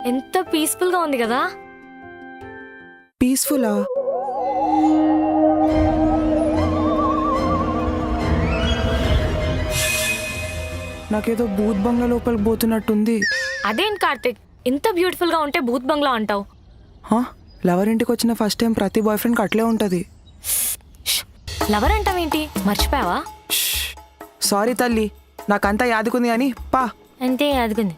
ఎంత పీస్ఫుల్ గా ఉంది కదా. పీస్ఫుల్లా? నాకేదో భూత్ బంగ్లా లోపలికి పోతున్నట్టుంది. అదేంటి కార్తిక్, ఇంత బ్యూటిఫుల్ గా ఉంటే భూత్ బంగ్లా అంటావు? లవర్ ఇంటికి వచ్చిన ఫస్ట్ టైం ప్రతి బాయ్ ఫ్రెండ్కి అట్లే ఉంటుంది. లవర్ అంటావేంటి, మర్చిపోయావా? సారీ తల్లి, నాకంతా యాదుకుంది కానీ పా. అంతే అదిగుంది.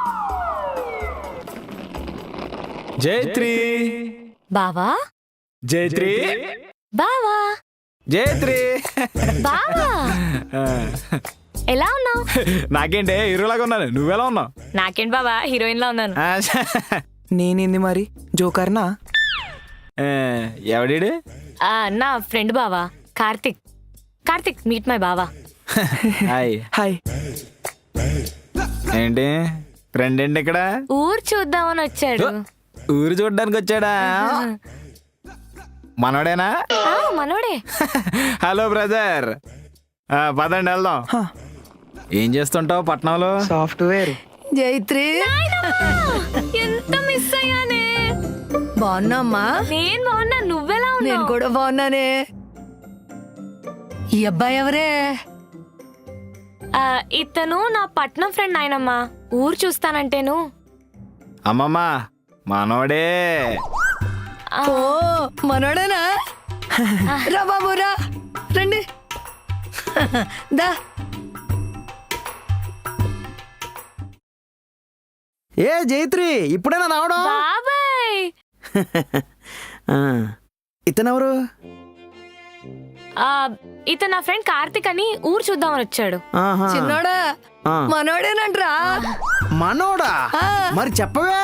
జైత్రి బావా, జైత్రి బావా, జైత్రి బావా, ఎలా ఉన్నావు? నాకేంటే హీరోలాగా ఉన్నాను, నువ్వెలా ఉన్నావు? నాకేంటి బావా, హీరోయిన్ లా ఉన్నాను. నేనేంది మరి జోకర్నా? ఎవడీడు? నా ఫ్రెండ్ బావా, కార్తిక్. కార్తిక్, మీట్ మై బావా. హాయ్. హాయ్. ఏంటి ఫ్రెండ్ ఏంటి ఇక్కడ? ఊరు చూద్దామని వచ్చాడు. ఊరు చూడడానికి వచ్చాడా? మనోడేనా? మనోడే. హలో బ్రదర్, పదండి వెళ్దాం. ఏం చేస్తుంటావు పట్నంలో? సాఫ్ట్వేర్. జైత్రి, ఎంత మిస్ అయ్యానే. బాగున్నామ్మా? నేను బాగున్నా, నువ్వెలా నేను ఉన్నావు? కూడా బాగున్నానే. ఈ అబ్బాయి ఎవరే? ఇతను నా పట్నం ఫ్రెండ్ ఆయనమ్మా. ఊరు చూస్తానంటేను. అమ్మమ్మ మనోడే. ఓ మనోడేనా? రా బాబు రా, రండి. దా. ఏ జైత్రి, ఇప్పుడేనా రావడం? బాబాయ్, ఇతనెవరు? ఇతను నా ఫ్రెండ్ కార్తిక్ అని ఊరు చూద్దామని వచ్చాడు. చిన్నోడా, మనోడేనంట్రా. మనోడా? మరి చెప్పవే.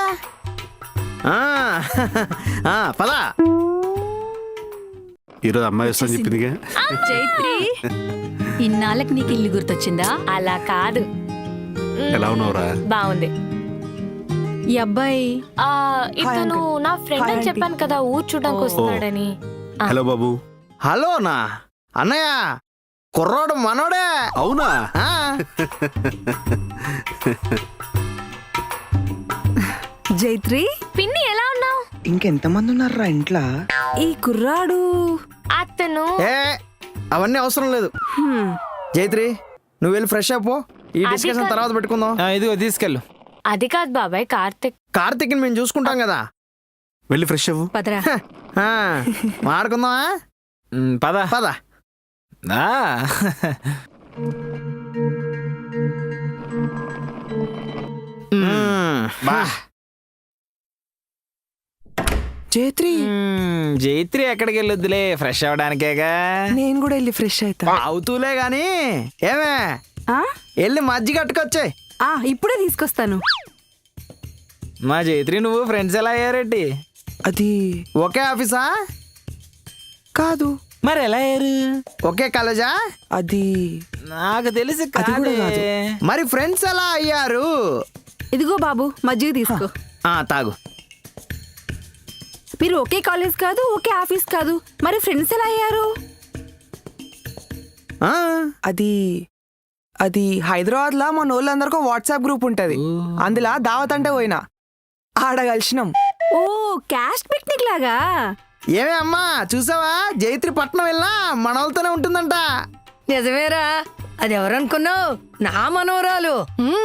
పదా. ఈరోజు అమ్మాయి వస్తా చెప్పిందిగా. జైత్రి, ఇన్నాళ్ళకి నీకు ఇల్లు గుర్తొచ్చిందా? అలా కాదు. ఎలా ఉన్నావురా? బాగుంది. ఈ అబ్బాయి ఇతను నా ఫ్రెండ్ అని చెప్పాను కదా, ఊరు చూడడానికి వస్తున్నాడని. హలో బాబు. హలోనా అన్నయ్య, కుర్రోడు మనోడే. అవునా? జైత్రి, పిన్ని ఎలా ఉన్నావు? ఇంకెంతమంది ఉన్నారా ఇంట్లో? ఈ కుర్రాడు అతను ఏ అవన్నీ అవసరం లేదు. జైత్రి, నువ్వు వెళ్ళి ఫ్రెష్ అయిపో, ఈ డిస్కషన్ తర్వాత పెట్టుకుందాం. ఇదిగో తీసుకెళ్ళు. అది కాదు బాబాయ్, కార్తిక్. కార్తీక్ మేము చూసుకుంటాం కదా. వెళ్ళి ఫ్రెష్ అవ్వు. పదరా. మాడుకుందామా? పద పద. బా. జైత్రి, జైత్రి ఎక్కడికి వెళ్ళొద్దులే, ఫ్రెష్ అవడానికేగా. నేను కూడా వెళ్ళి ఫ్రెష్ అవుతా. అవుతూలే గాని ఏమే, ఆ? వెళ్ళి మజ్జిగ కట్టుకొచ్చే. ఇప్పుడే తీసుకొస్తాను. మా జైత్రి నువ్వు ఫ్రెండ్స్ ఎలా అయ్యారేంటి? అది ఒకే ఆఫీసా? కాదు. మరి ఎలా అయ్యారు? ఒకే కాలేజా? అది నాకు తెలిసి అది కూడా కాదు. మరి ఫ్రెండ్స్ ఎలా అయ్యారు? ఇదిగో బాబు, మజ్జిగ తీసుకో. తాగు. మీరు ఒకే కాలేజ్ కాదు, ఒకే ఆఫీస్ కాదు, మరి ఫ్రెండ్స్ ఎలా అయ్యారు? అది అది హైదరాబాద్ లా మన వాళ్ళందరికీ వాట్సాప్ గ్రూప్ ఉంటది. అందులో దావత్ అంటే పోయినా, ఆడ కలిసినాం. ఓ, క్యాస్ట్ పిక్నిక్ లాగా. ఏమే అమ్మా, చూసావా? జైత్రి పట్నం వెళ్ళా మన వాళ్ళతోనే ఉంటుందంట. నిజమేరా, అది ఎవరనుకున్నావు? నా మనోరాలు.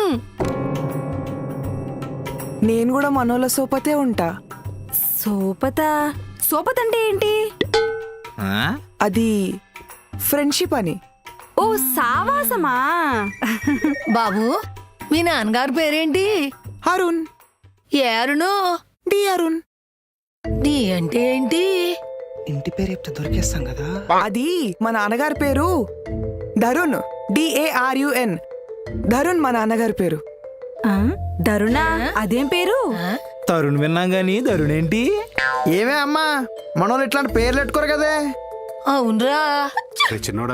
నేను కూడా మనోళ్ళ సోపతే ఉంటా. సోపత? సోపత అంటే ఏంటి? అది ఫ్రెండ్షిప్ అని. ఓ, సావాసమా? బాబు, మీ నాన్నగారు పేరేంటి? అరుణ్. ఏ అరుణు? డి అరుణ్. నీ అంటే ఏంటి? ఇంటి పేరు చెప్తే దొరికేస్తాం కదా. అది మా నాన్నగారి పేరు ధరుణ్, DARUN. ధరుణ్ మా నాన్నగారి పేరు. ధరుణా? అదేం పేరు? తరుణ్ విన్నాం గాని ధరుణ్ ఏంటి? ఏమే అమ్మా, మన వాళ్ళు ఇట్లాంటి పేర్లు పెట్టుకోరు కదే. అవునరా. చిన్నోడా,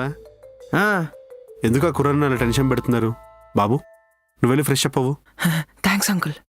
ఎందుకు ఆ కుర్రాన్ని అలా టెన్షన్ పెడుతున్నారు? బాబు, నువ్వు వెళ్ళి ఫ్రెష్ అప్ అవ్వు. Thanks uncle.